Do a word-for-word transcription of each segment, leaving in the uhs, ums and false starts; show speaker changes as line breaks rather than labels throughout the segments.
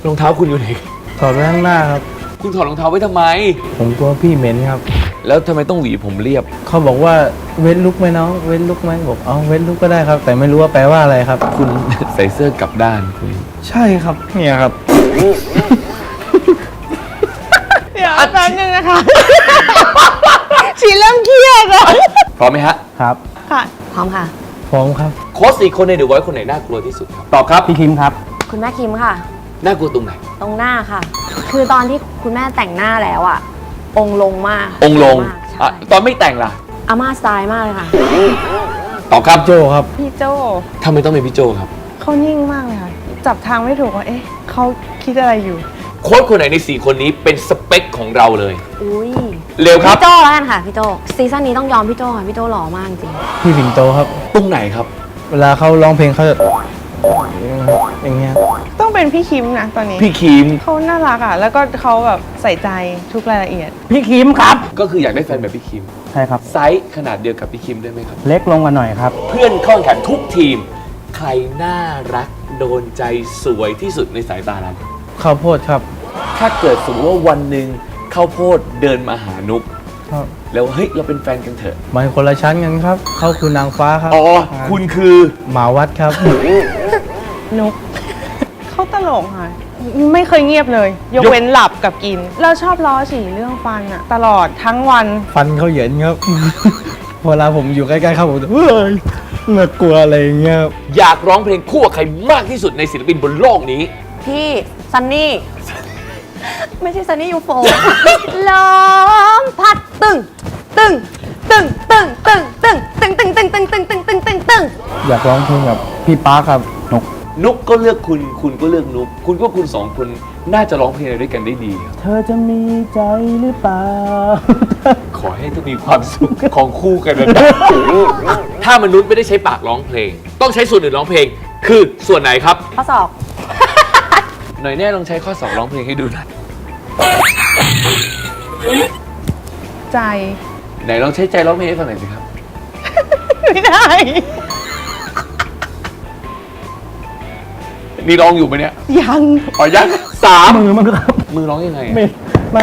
รองเท้าคุณอยู่ไหน
ถอดไว้ข้างหน้าครับ
คุณถอดรองเท้าไว้ทำไม
ผมกลัวพี่เหม็นครับ
แล้วทำไมต้องหวีผมเรียบ
เขาบอกว่าเว้นลุกไหมน้องเว้นลุกไหมบอกเอาเว้นลุกก็ได้ครับแต่ไม่รู้ว่าแปลว่าอะไรครับ
คุณใส่เสื้อกลับด้านคุณ
ใช่ครับเนี่ยครับ
เดี๋ยวแป๊บนึงนะคะชีเริ่มเครียดแล้ว
พร้อมไหมฮะ
ครับ
ค่ะพร้อมค่ะ
พร้อมครับ
โค้ชสี่คนในเดอะไวท์คนไหนน่ากลัวที่สุดครับตอบครับ
พี่คิมครับ
คุณแม่คิมค่ะ
น่ากลัวตรงไหน
ตรงหน้าค่ะคือตอนที่คุณแม่แต่งหน้าแล้วอะองค์ลงมาก
องค์ลงตอนไม่แต่งล่ะ
อาม่าสไตล์มากเลยค่ะ
ตอบครับ
โจครับ
พี่โจ
ทำไมต้องเป็นพี่โจครับ
เขานิ่งมากเลยค่ะจับทางไม่ถูกว่าเอ๊ะเขาคิดอะไรอยู่
โค้ชคนไหนในสี่คนนี้เป็นสเปคของเราเลย
อุ้ย
เร็วครับ
พี่โจแล้วกันค่ะพี่โจซีซั่นนี้ต้องยอมพี่โจค่ะพี่โจหล่อมากจริง
พี่สิงโตครับ
ตรงไหนครับ
เวลาเขาร้องเพลงเขาจะอย่างเงี้ย
ต้องเป็นพี่คิมนะตอนนี้
พี่คิม
เขาน่ารักอ่ะแล้วก็เขาแบบใส่ใจทุกรายละเอียด
พี่คิมครับ
ก็คืออยากได้แฟนแบบพี่คิม
ใช่ครับ
ไซส์ขนาดเดียวกับพี่คิมได้ไหมครับ
เล็กลงมาหน่อยครับ
เพื่อนเข้าแข่งขันทุกทีมใครน่ารักโดนใจสวยที่สุดในสายตาเรา
ข้าวโพดครับ
ถ้าเกิดสมมติว่าวันหนึ่งข้าวโพดเดินมาหานุ๊กแล้วเฮ้ยเราเป็นแฟนกันเถอะ
มันคนละชั้นกันครับเขาคือนางฟ้าครับ
อ๋อคุณคือ
หมาวัดครับ
นุ๊กเขาตลกค่ะไม่เคยเงียบเลยยกเว้นหลับกับกินเราชอบล้อฉี่เรื่องฟันอะตลอดทั้งวัน
ฟันเขาเหยินครับเวลาผมอยู่ใกล้ๆเขาผมจะเฮ้ยน่ากลัวอะไรเงี้ย
อยากร้องเพลงคู่กับใครมากที่สุดในศิลปินบนโลกนี้
พี่ซันนี่ไม่ใช่ซันนี่ยูโฟลมพัดตึงตึงตึงตึงตึงตึงตึงตึงตึงตึงตึงตึงตึงตึงตึง
อยากร้องเพลงกับพี่ป๊าครับนก
นุ๊กก็เลือกคุณคุณก็เลือกนุ๊กคุณก็คุณสองคนน่าจะร้องเพลงอะไรด้วยกันได้ดี
เธอจะมีใจหรือเปล่า
ขอให้ทุกมีความสุขของคู่กันนะถ้ามนุษย์ไม่ได้ใช้ปากร้องเพลงต้องใช้ส่วนอื่นร้องเพลงคือส่วนไหนครับ
ข้อศอก
หน่อยแน่ลองใช้ข้อศอกร้องเพลงให้ดูหน่อย
ใจ
ไหนลองใช้ใจร้องเพลงให้ฟังหน่อยสิครับ
ไม่ได้
นี่ร้องอยู่ไหมเนี่ย
ยัง
อ๋อยังสาม
มือมันครับ
มือร้องยังไง
ไม่มา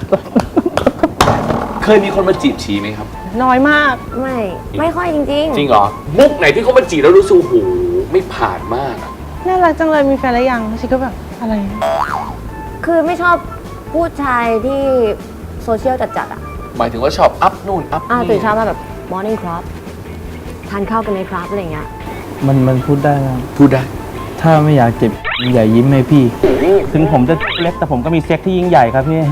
เคยมีคนมาจีบชีไหมครับ
น้อยมาก
ไม่ไม่ค่อยจริง
จริงเหรอมุกไหนที่เขามาจีบแล้วรู้สึกโอ้โหไม่ผ่านมาก
น่ารักจังเลยมีแฟนแล้วยังชีก็แบบอะไร
คือไม่ชอบผู้ชายที่โซเชียลจัดๆอ่ะ
หมายถึงว่าชอบอัพนู่นอัพ
นี่ตื่นเช้ามาแบบ morning club ทานข้าวกันในคลับอะไรเงี้ย
มันมันพูดได้
พูดได้
ถ้าไม่อยากเจ็บอย่ายิ้มให้พี่ถึงผมจะเล็กแต่ผมก็มีเซ็กที่ยิ่งใหญ่ครับพี่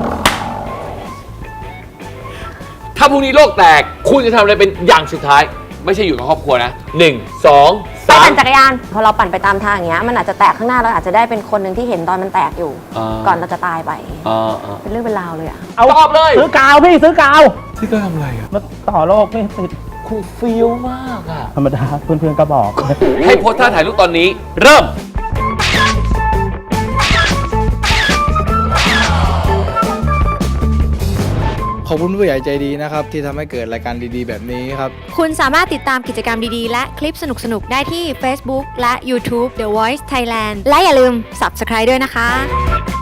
ถ้าพรุ่งนี้โลกแตกคุณจะทำอะไรเป็นอย่างสุดท้ายไม่ใช่อยู่กับครอบครัวนะหนึ่งสองสาม
ปั่นจักรยานพอเราปั่นไปตามทางอย่างเงี้ยมันอาจจะแตกข้างหน้าเราอาจจะได้เป็นคนหนึ่งที่เห็นตอนมันแตกอยู่ก่อนเราจะตายไปเป็นเรื่องเป็นราวเลยอะ
เอาตอบเลย
ซื้อกาวพี่ซื้อกาว
ซื้อกาวทำอะไรอะ
มาต่อโลกไม่ติด
คุณฟิลมากอะ
ธรรมดาเพื่อนๆก็บอก
ให้โพสท่าถ่ายรูปตอนนี้เริ่ม
ขอบคุณผู้ใหญ่ใจดีนะครับที่ทำให้เกิดรายการดีๆแบบนี้ครับ
คุณสามารถติดตามกิจกรรมดีๆและคลิปสนุกๆได้ที่ Facebook และ YouTube The Voice Thailand และอย่าลืม Subscribe ด้วยนะคะ